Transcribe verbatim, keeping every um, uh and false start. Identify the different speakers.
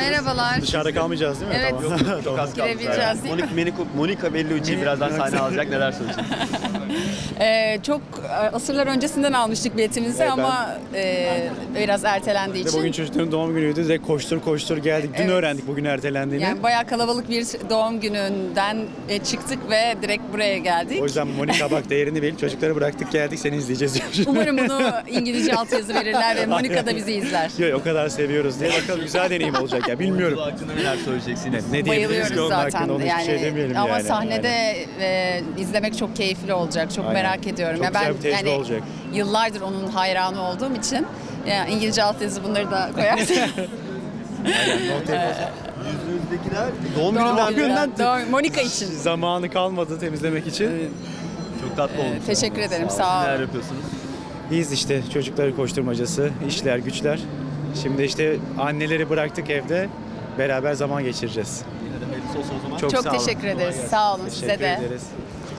Speaker 1: Merhabalar.
Speaker 2: Dışarıda kalmayacağız değil mi?
Speaker 1: Evet.
Speaker 2: Tamam.
Speaker 1: Yok,
Speaker 3: Çok az kaldı.
Speaker 1: Girebileceğiz değil mi?
Speaker 3: Monica, Monica, Monica Bellucci birazdan sahne alacak. Neler söyleyeceksiniz?
Speaker 1: Ee, çok e, asırlar öncesinden almıştık biletimizi
Speaker 2: Evet,
Speaker 1: ama e, biraz ertelendiği
Speaker 2: Ve
Speaker 1: için.
Speaker 2: bugün çocukların doğum günüydü. Direkt koştur koştur geldik. Dün
Speaker 1: Evet.
Speaker 2: öğrendik bugün ertelendiğini.
Speaker 1: Yani bayağı kalabalık bir doğum gününden e, çıktık ve direkt buraya geldik.
Speaker 2: O yüzden Monica bak değerini bil. Çocukları bıraktık geldik seni izleyeceğiz diyor.
Speaker 1: Umarım bunu İngilizce altyazı verirler ve Monica da bizi izler.
Speaker 2: Yok o kadar seviyoruz diye bakalım güzel deneyim olacak ya bilmiyorum.
Speaker 3: Bu hakkında neler söyleyeceksiniz?
Speaker 2: Ne diyebiliriz ki
Speaker 1: Bayılıyoruz
Speaker 2: onun
Speaker 1: zaten
Speaker 2: hakkında onu
Speaker 1: yani.
Speaker 2: hiçbir şey demeyelim
Speaker 1: Ama
Speaker 2: yani.
Speaker 1: sahnede
Speaker 2: Aynen.
Speaker 1: e, izlemek çok keyifli olacak. Çok
Speaker 2: Aynen.
Speaker 1: merak ediyorum.
Speaker 2: Çok
Speaker 1: Ya
Speaker 2: güzel
Speaker 1: ben
Speaker 2: bir tecrübe
Speaker 1: yani
Speaker 2: olacak.
Speaker 1: yıllardır onun hayranı olduğum için yani İngilizce altyazı bunları da koyarsın.
Speaker 3: Yüzünüzdekiler doğum
Speaker 1: Doğum
Speaker 3: gününden
Speaker 1: gününden,
Speaker 3: mi?
Speaker 1: doğum- Monica için.
Speaker 2: Zamanı kalmadı temizlemek için.
Speaker 3: Çok tatlı olmuş.
Speaker 1: Teşekkür ederim.
Speaker 3: Sağ
Speaker 1: Sağ
Speaker 3: olun. Neler
Speaker 1: olun.
Speaker 3: yapıyorsunuz?
Speaker 2: İyiyiz işte çocukları koşturmacası, işler güçler. Şimdi işte anneleri bıraktık evde. Beraber zaman geçireceğiz.
Speaker 3: Yine de hayırlısı olsun o zaman.
Speaker 2: Çok
Speaker 1: Çok
Speaker 2: sağ olun.
Speaker 1: teşekkür ederiz. Sağ olun size
Speaker 2: Teşekkür
Speaker 1: de.
Speaker 2: ederiz.